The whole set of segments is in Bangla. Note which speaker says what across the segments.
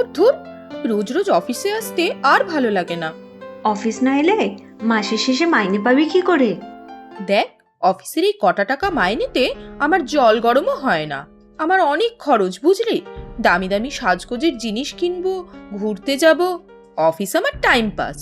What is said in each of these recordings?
Speaker 1: ধুর ধুর, রোজ রোজ অফিসে আসতে আর ভালো লাগে না।
Speaker 2: অফিস না এলে মাসের শেষে মাইনে পাবি কি করে?
Speaker 1: দেখ, অফিসের এই কটা টাকা মাইনেতে আমার জল গরমও হয় না। আমার অনেক খরচ বুঝলি, দামি দামি সাজগোজের জিনিস কিনবো, ঘুরতে যাব। অফিস আমার টাইম পাস।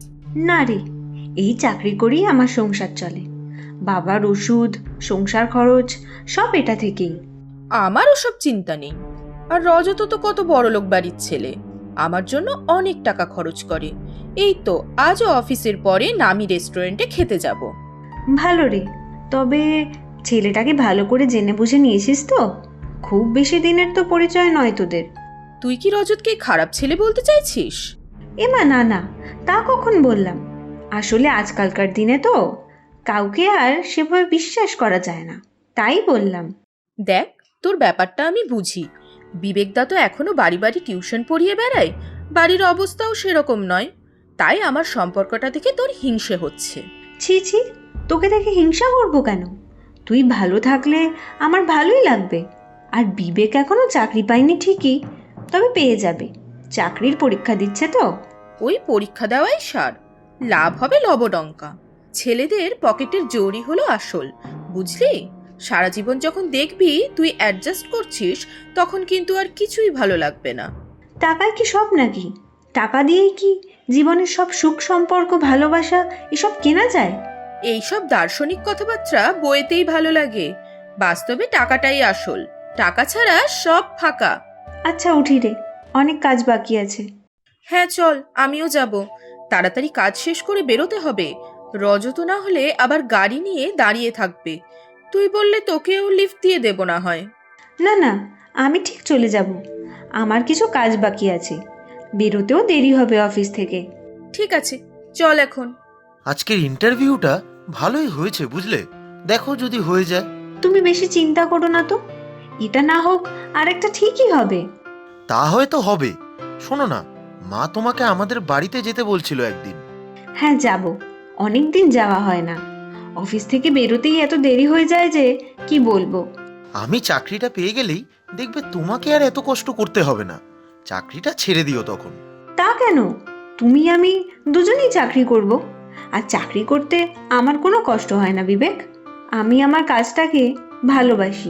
Speaker 2: না রে, এই চাকরি করেই আমার সংসার চলে। বাবার ওষুধ, সংসার খরচ সব এটা থেকেই।
Speaker 1: আমার ওসব চিন্তা নেই। আর রজত তো কত বড়লোক বাড়ির ছেলে, আমার জন্য অনেক টাকা খরচ করে। এই তো আজও অফিসের পরে নামি রেস্টুরেন্টে খেতে যাব।
Speaker 2: ভালো রে, তবে ছেলেটাকে ভালো করে জেনে বুঝে নিয়েছিস তো? খুব বেশি দিনের তো পরিচয় নয় তোদের।
Speaker 1: তুই কি রজতকে খারাপ ছেলে বলতে চাইছিস?
Speaker 2: এমা না না, তা কখন বললাম? আসলে আজকালকার দিনে তো কাউকে আর সেভাবে বিশ্বাস করা যায় না, তাই বললাম।
Speaker 1: দেখ, তোর ব্যাপারটা আমি বুঝি। বিবেকদা তো এখনো বাড়ি বাড়ি টিউশন পড়িয়ে বেড়ায়, বাড়ির অবস্থাও সেরকম নয়। তাই আমার সম্পর্কটা দেখে তোর হিংসে হচ্ছে।
Speaker 2: ছি ছি, তোকে দেখে হিংসা করবো কেন? তুই ভালো থাকলে আমার ভালোই লাগবে। আর বিবেক এখনো চাকরি পায়নি ঠিকই, তবে পেয়ে যাবে। চাকরির পরীক্ষা দিচ্ছে তো।
Speaker 1: ওই পরীক্ষা দেওয়াই সার, লাভ হবে লবডঙ্কা। ছেলেদের পকেটের জোরই হলো আসল, বুঝলি? সারা জীবন যখন দেখবি তুই অ্যাডজাস্ট করছিস, তখন কিন্তু আর কিছুই ভালো লাগবে না।
Speaker 2: টাকায় কি সব নাকি? টাকা দিয়েই কি জীবনের সব সুখ সম্পর্ক ভালোবাসা এসব কেনা যায়?
Speaker 1: এইসব দার্শনিক কথাবার্তা বইতেই ভালো লাগে, বাস্তবে টাকাটাই আসল। টাকা ছাড়া সব ফাঁকা।
Speaker 2: আচ্ছা উঠি রে, অনেক কাজ বাকি আছে।
Speaker 1: হ্যাঁ চল, আমিও যাব। তাড়াতাড়ি কাজ শেষ করে বেরোতে হবে। রজত না হলে আবার গাড়ি নিয়ে দাঁড়িয়ে থাকবে। তুই বললে তোকেও লিফট দিয়ে দেব না হয়।
Speaker 2: না না, আমি ঠিক চলে যাব। আমার কিছু কাজ বাকি আছে, বেরোতেও দেরি হবে অফিস থেকে।
Speaker 1: ঠিক আছে, চল এখন।
Speaker 3: আজকের ইন্টারভিউটা ভালোই হয়েছে বুঝলে, দেখো যদি হয়ে যায়।
Speaker 2: তুমি বেশি চিন্তা করো না তো, এটা না হোক আরেকটা ঠিকই হবে।
Speaker 3: তা হয়তো হবে। শোনো না, মা তোমাকে আমাদের বাড়িতে যেতে বলছিল একদিন।
Speaker 2: হ্যাঁ যাব, অনেক দিন যাওয়া হয় না। অফিস থেকে বেরোতেই এত দেরি হয়ে যায় যে কি বলবো।
Speaker 3: আমি চাকরিটা পেয়ে গেলেই দেখবে তোমাকে আর এত কষ্ট করতে হবে না। চাকরিটা ছেড়ে দিও তখন।
Speaker 2: তা কেন? তুমি আমি দুজনেই চাকরি করব। আর চাকরি করতে আমার কোনো কষ্ট হয় না বিবেক। আমি আমার কাজটাকে ভালোবাসি।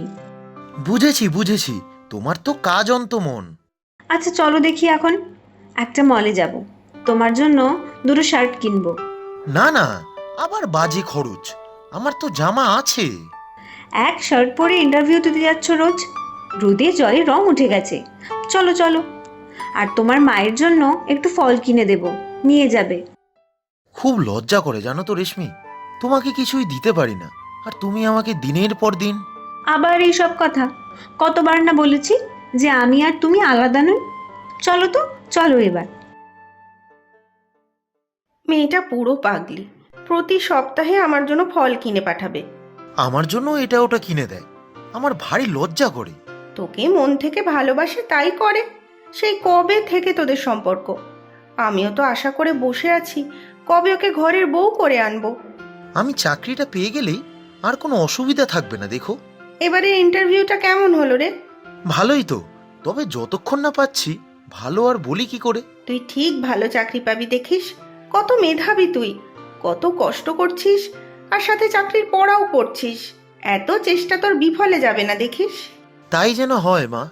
Speaker 3: বুঝেছি বুঝেছি, তোমার তো কাজ অন্ত মন।
Speaker 2: আচ্ছা চলো দেখি এখন একটা মলে যাব, তোমার জন্য দুটো শার্ট কিনবো।
Speaker 3: না না, আবার বাজে খরচ। আমার তো জামা আছে।
Speaker 2: এক শার্ট পরে ইন্টারভিউ দিতে যাচ্ছ রোজ, রোদে জলে রং উঠে গেছে। চলো চলো। আর তোমার মায়ের জন্য একটু ফল কিনে দেব, নিয়ে যাবে।
Speaker 3: খুব লজ্জা করে জানো তো রেশমি, তোমাকে কিছুই দিতে পারি না, আর তুমি আমাকে দিনের পর দিন।
Speaker 2: আবার এইসব কথা? কতবার না বলেছি যে আমি আর তুমি আলাদা নই। চলো তো, চলো এবার।
Speaker 4: মেয়েটা পুরো পাগলি, প্রতি সপ্তাহে আমার জন্য ফল কিনে পাঠাবে।
Speaker 3: আমার জন্য এটা ওটা কিনে দেয়, আমার ভারী লজ্জা করে।
Speaker 4: তোকে মন থেকে ভালোবাসে তাই করে। সেই কবে থেকে তোদের সম্পর্ক। আমিও তো আশা করে বসে আছি কবে ওকে ঘরের বউ করে আনবো।
Speaker 3: আমি চাকরিটা পেয়ে গেলেই আর কোনো অসুবিধা থাকবে না দেখো।
Speaker 4: এবারের ইন্টারভিউটা কেমন হলো রে?
Speaker 3: ভালোই তো, তবে যতক্ষণ না পাচ্ছি ভালো আর বলি কি করে।
Speaker 4: তুই ঠিক ভালো চাকরি পাবি দেখিস। কত মেধাবী তুই, কত কষ্ট করছিস, আর সাথে চাকরির পড়াও করছিস। এত চেষ্টা তোর বিফলে যাবে না দেখিস।
Speaker 3: তাই যেন হয় মা।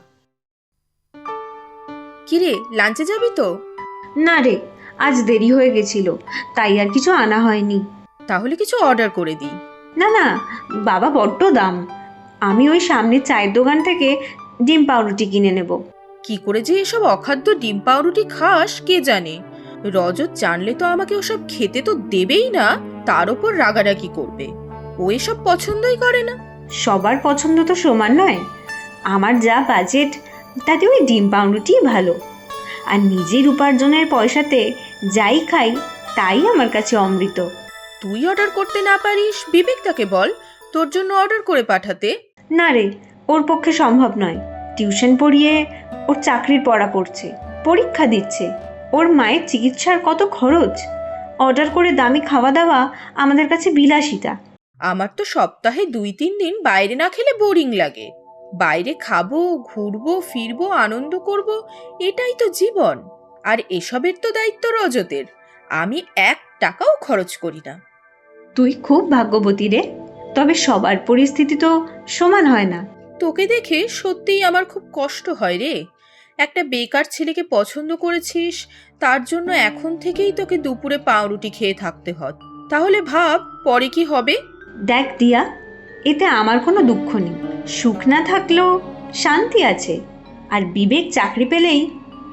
Speaker 1: কিরে, লাঞ্চে যাবি তো?
Speaker 2: না রে, আজ দেরি হয়ে গেছিল, তাই আর কিছু আনা হয়নি।
Speaker 1: তাহলে কিছু অর্ডার করে দিই।
Speaker 2: না না, বাবা বড্ড দাম। আমি ওই সামনের চায়ের দোকান থেকে ডিম পাউরুটি কিনে নেব।
Speaker 1: কি করে যে এসব অখাদ্য ডিম পাউরুটি খাস কে জানে। রজত জানলে তো আমাকে ওসব খেতে তো দেবেই না, তার ওপর রাগারাগি করবে। ও এসব পছন্দই করে না।
Speaker 2: সবার পছন্দ তো সমান নয়। আমার যা বাজেট তাতে ওই ডিম পাউরুটি ভালো। আর নিজের উপার্জনের পয়সাতে যাই খাই তাই আমার কাছে অমৃত।
Speaker 1: তুই অর্ডার করতে না পারিস, বিবেকদাকে বল তোর জন্য অর্ডার করে পাঠাতে।
Speaker 2: না রে, ওর পক্ষে সম্ভব নয়। টিউশন পড়িয়ে ওর চাকরির পড়া পড়ছে, পরীক্ষা দিচ্ছে, ওর মায়ের চিকিৎসার কত খরচ। অর্ডার করে দামি খাওয়া দাওয়া আমাদের কাছে বিলাসিতা।
Speaker 1: আমার তো সপ্তাহে 2-3 দিন বাইরে না খেলে বোরিং লাগে। বাইরে খাবো, ঘুরবো, ফিরবো, আনন্দ করব, এটাই তো জীবন। আর এসবের তো দায়িত্ব রজতের। আমি 1 টাকাও খরচ করি না।
Speaker 2: তুই খুব ভাগ্যবতী রে। তবে সবার পরিস্থিতি তো সমান হয় না।
Speaker 1: তোকে দেখে সত্যিই আমার খুব কষ্ট হয় রে। একটা বেকার ছেলেকে পছন্দ করেছিস, তার জন্য এখন থেকেই তোকে দুপুরে পাউরুটি খেয়ে থাকতে হয়। তাহলে ভাব পরে কি হবে।
Speaker 2: দেখ দিয়া, এতে আমার কোনো দুঃখ নেই। সুখ না থাকলেও শান্তি আছে। আর বিবেক চাকরি পেলেই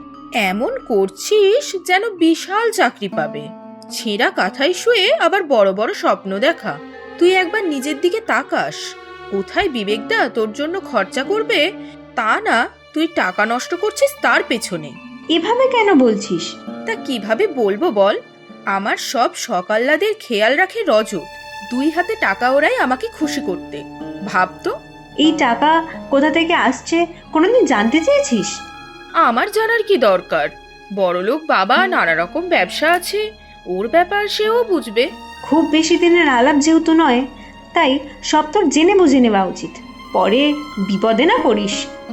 Speaker 1: এমন করছিস যেন বিশাল চাকরি পাবে। ছেঁড়া কাঁথায় শুয়ে আবার বড় বড় স্বপ্ন দেখা। তুই একবার নিজের দিকে তাকাস। কোথায় বিবেকদা তোর জন্য খরচা করবে, তা না তুই টাকা নষ্ট করছিস তার পেছনে।
Speaker 2: এভাবে কেন বলছিস?
Speaker 1: তা কিভাবে বলবো বল? আমার সব সকাল্লাদের খেয়াল রাখে রজত। 2 হাতে টাকা ওরাই আমাকে খুশি করতে। ভাবতো।
Speaker 2: এই টাকা কোথা থেকে আসছে কোনোদিন জানতে চেয়েছিস?
Speaker 1: আমার জানার কি দরকার? বড়লোক বাবা, নানা রকম ব্যবসা আছে, ওর ব্যাপার সেও বুঝবে।
Speaker 2: খুব বেশি দিনের আলাপ যেহেতু নয়, তাই সব তোর জেনে বুঝে নেওয়া উচিত। পরে বিপদে না পড়িস।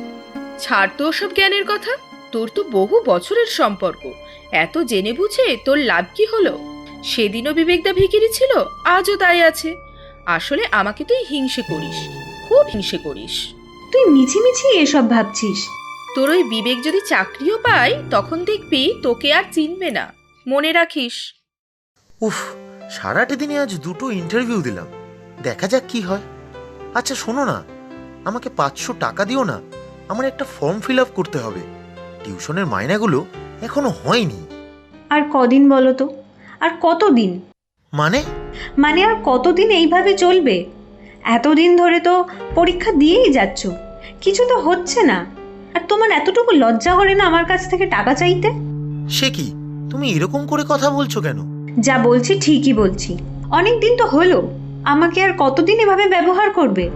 Speaker 1: ছাড় তো ওসব জ্ঞানের কথা। তোর তো বহু বছরের সম্পর্ক, এত জেনে বুঝে তোর লাভ কি হলো? সেদিনও বিবেকদা ভিখিরি ছিল, আজও তাই আছে। আসলে আমাকে তুই হিংসে করিস, খুব হিংসে করিস।
Speaker 2: তুই মিছিমিছি এসব ভাবছিস।
Speaker 1: তোর ওই বিবেক যদি চাকরিও পায়, তখন দেখবি তোকে আর চিনবে না। মনে রাখিস।
Speaker 3: উফ, সারাটা দিনে আজ 2টো ইন্টারভিউ দিলাম, দেখা যাক কি হয়। আচ্ছা শোনো না, আমাকে 500 টাকা দিও না, আমার একটা ফর্ম ফিল আপ করতে হবে। টিউশনের মাইনাগুলো এখনো হয়নি।
Speaker 2: আর কদিন বলো তো? আর কতদিন?
Speaker 3: মানে?
Speaker 2: মানে আর কতদিন এইভাবে চলবে? এতদিন ধরে তো পরীক্ষা দিয়েই যাচ্ছ, কিছু তো হচ্ছে না। আর তোমার এতটুকু লজ্জা করে না আমার কাছ থেকে টাকা চাইতে?
Speaker 3: সে কি, তুমি এরকম করে কথা বলছো কেন?
Speaker 2: যা বলছি ঠিকই বলছি। অনেক দিন তো হলো, আমাকে আর কতদিন এভাবে ব্যবহার করবে?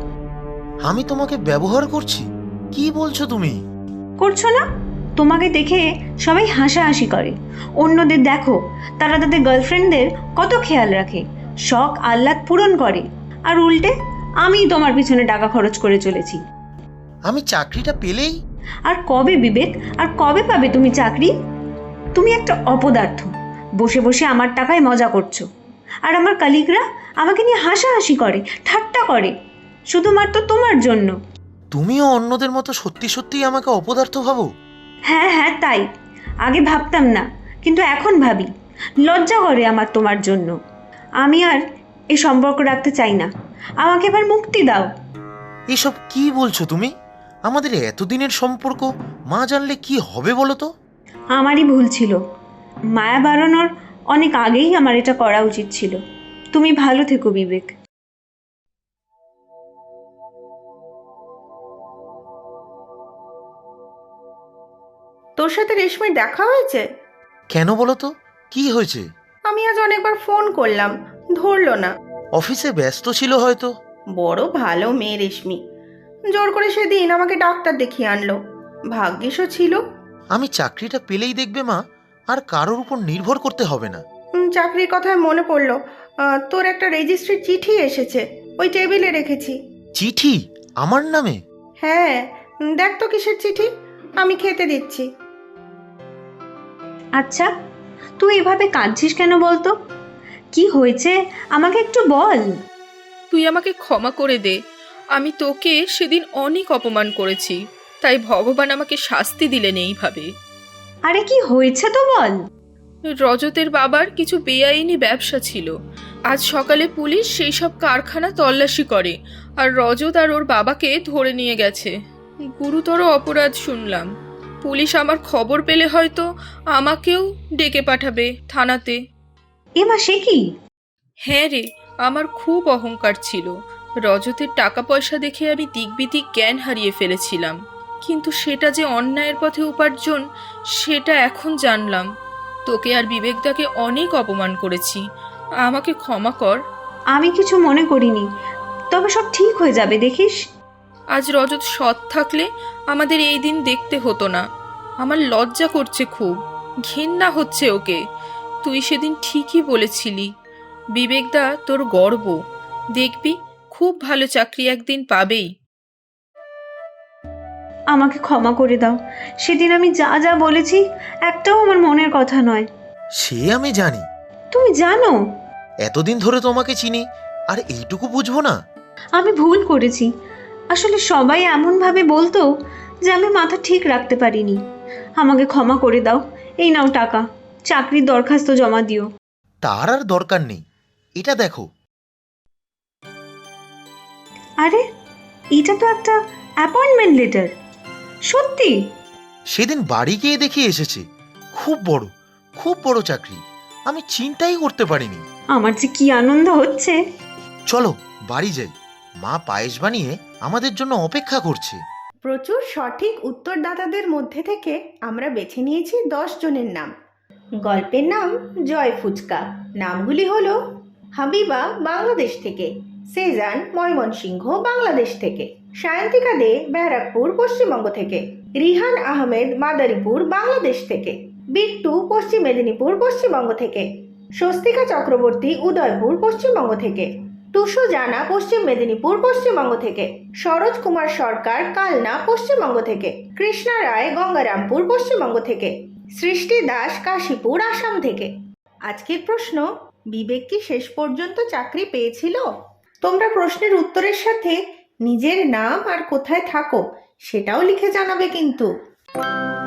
Speaker 3: আমি তোমাকে ব্যবহার করছি? কি বলছো তুমি?
Speaker 2: করছো না? তোমাকে দেখে সবাই হাসাহাসি করে। অন্যদের দেখো, তারা তাদের গার্লফ্রেন্ডদের কত খেয়াল রাখে, শখ আহ্লাদ পূরণ করে। আর উল্টে আমি তোমার পিছনে টাকা খরচ করে চলেছি।
Speaker 3: আমি চাকরিটা পেলেই?
Speaker 2: আর কবে বিবেক, আর কবে পাবে তুমি চাকরি? তুমি একটা অপদার্থ। বসে বসে আমার টাকায় মজা করছো। আর আমার কালিগরা আমাকে নিয়ে হাসাহাসি করে, ঠাট্টা করে, শুধুমাত্র তোমার জন্য।
Speaker 3: তুমিও অন্যদের মতো সত্যি সত্যিই আমাকে অপদার্থ ভাবো?
Speaker 2: হ্যাঁ হ্যাঁ, তাই। আগে ভাবতাম না, কিন্তু এখন ভাবি। লজ্জা করে আমার তোমার জন্য। আমি আর এই সম্পর্ক রাখতে চাই না। আমাকে এবার মুক্তি দাও।
Speaker 3: এসব কি বলছো তুমি? আমাদের এতদিনের সম্পর্ক মা জানলে কি হবে বলো তো?
Speaker 2: আমারই ভুল ছিল। মায়া বাড়ানোর অনেক আগেই আমার এটা করা উচিত ছিল। তুমি ভালো থেকো বিবেক।
Speaker 4: তোর সাথে রেশমির দেখা হয়েছে?
Speaker 3: কেন বলো তো, কি হয়েছে?
Speaker 4: আমি আজ অনেকবার ফোন করলাম, ধরলো না।
Speaker 3: অফিসে ব্যস্ত ছিল হয়তো।
Speaker 4: বড় ভালো মেয়ে রেশমি। জোর করে সেদিন আমাকে ডাক্তার দেখিয়ে আনলো। ভাগ্যিসও ছিল।
Speaker 3: আমি চাকরিটা পেলেই দেখবে মা, আর কারোর উপর নির্ভর করতে হবে না।
Speaker 4: চাকরির কথায় মনে পড়লো, তোর একটা রেজিস্ট্রির চিঠি এসেছে, ওই টেবিলে রেখেছি।
Speaker 3: চিঠি? আমার নামে?
Speaker 4: হ্যাঁ, দেখ তো কিসের চিঠি, আমি খেতে দিচ্ছি।
Speaker 2: আচ্ছা, তুই এভাবে কাঁদছিস কেন বলতো? কি হয়েছে আমাকে একটু বল।
Speaker 1: তুই আমাকে ক্ষমা করে দে। আমি তোকে সেদিন অনেক অপমান করেছি, তাই ভগবান আমাকে শাস্তি দিলেন এইভাবে।
Speaker 2: আরে কি হয়েছে তো বল।
Speaker 1: রজতের বাবার কিছু বেআইনি ব্যবসা ছিল। আজ সকালে পুলিশ সেই সব কারখানা তল্লাশি করে, আর রজত আর ওর বাবাকে ধরে নিয়ে গেছে। গুরুতর অপরাধ শুনলাম। পুলিশ আমার খবর পেলে হয়তো আমাকেও ডেকে পাঠাবে থানাতে।
Speaker 2: এমা সে কি?
Speaker 1: হ্যাঁ রে, আমার খুব অহংকার ছিল। রজতের টাকা পয়সা দেখে আমি দিকবিদিক জ্ঞান হারিয়ে ফেলেছিলাম। কিন্তু সেটা যে অন্যায়ের পথে উপার্জন, সেটা এখন জানলাম। তোকে আর বিবেকদাকে অনেক অপমান করেছি, আমাকে ক্ষমা কর।
Speaker 2: আমি কিছু মনে করিনি, তবে সব ঠিক হয়ে যাবে দেখিস।
Speaker 1: আজ রজত সৎ থাকলে আমাদের এই দিন দেখতে হতো না। আমার লজ্জা করছে, খুব ঘেন্না হচ্ছে ওকে। তুই সেদিন ঠিকই বলেছিলি, বিবেকদা তোর গর্ব। দেখবি খুব ভালো চাকরি একদিন পাবেই।
Speaker 2: আমাকে ক্ষমা করে দাও। সেদিন আমি যা যা বলেছি একটাও আমার মনের কথা নয়।
Speaker 3: সে আমি জানি,
Speaker 2: তুমি জানো
Speaker 3: এতদিন ধরে তোমাকে চিনি, আর এইটুকু বুঝবো না?
Speaker 2: আমি ভুল করেছি। আসলে সবাই এমনভাবে বলতো যে আমি মাথা ঠিক রাখতে পারিনি। আমাকে ক্ষমা করে দাও। এই নাও টাকা, চাকরির দরখাস্ত জমা দিও।
Speaker 3: তার আর দরকার নেই, এটা দেখো।
Speaker 2: আরে এটা তো একটা অ্যাপয়েন্টমেন্ট লেটার। সত্যি?
Speaker 3: সেদিন বাড়ি গিয়ে দেখি এসেছে। খুব বড় চাকরি, আমি চিন্তাই করতে পারিনি।
Speaker 2: আমার যে কি আনন্দ হচ্ছে।
Speaker 3: চলো বাড়ি যাই, মা পায়েস বানিয়ে আমাদের জন্য অপেক্ষা করছে।
Speaker 4: প্রচুর সঠিক উত্তরদাতাদের মধ্যে থেকে আমরা বেছে নিয়েছি 10 জনের নাম। গল্পের নাম জয় ফুচকা। নামগুলি হলো হাবিবা বাংলাদেশ থেকে, সেজান ময়মনসিংহ বাংলাদেশ থেকে, সায়ন্তিকা দে ব্যারাকপুর পশ্চিমবঙ্গ থেকে, রিহান আহমেদ মাদারীপুর বাংলাদেশ থেকে, বিট্টু পশ্চিম মেদিনীপুর পশ্চিমবঙ্গ থেকে, স্বস্তিকা চক্রবর্তী উদয়পুর পশ্চিমবঙ্গ থেকে, টুসু জানা পশ্চিম মেদিনীপুর পশ্চিমবঙ্গ থেকে, সরোজ কুমার সরকার কালনা পশ্চিমবঙ্গ থেকে, কৃষ্ণা রায় গঙ্গারামপুর পশ্চিমবঙ্গ থেকে, সৃষ্টি দাস কাশীপুর আসাম থেকে। আজকের প্রশ্ন, বিবেক কি শেষ পর্যন্ত চাকরি পেয়েছিল? তোমরা প্রশ্নের উত্তরের সাথে নিজের নাম আর কোথায় থাকো সেটাও লিখে জানাবে কিন্তু।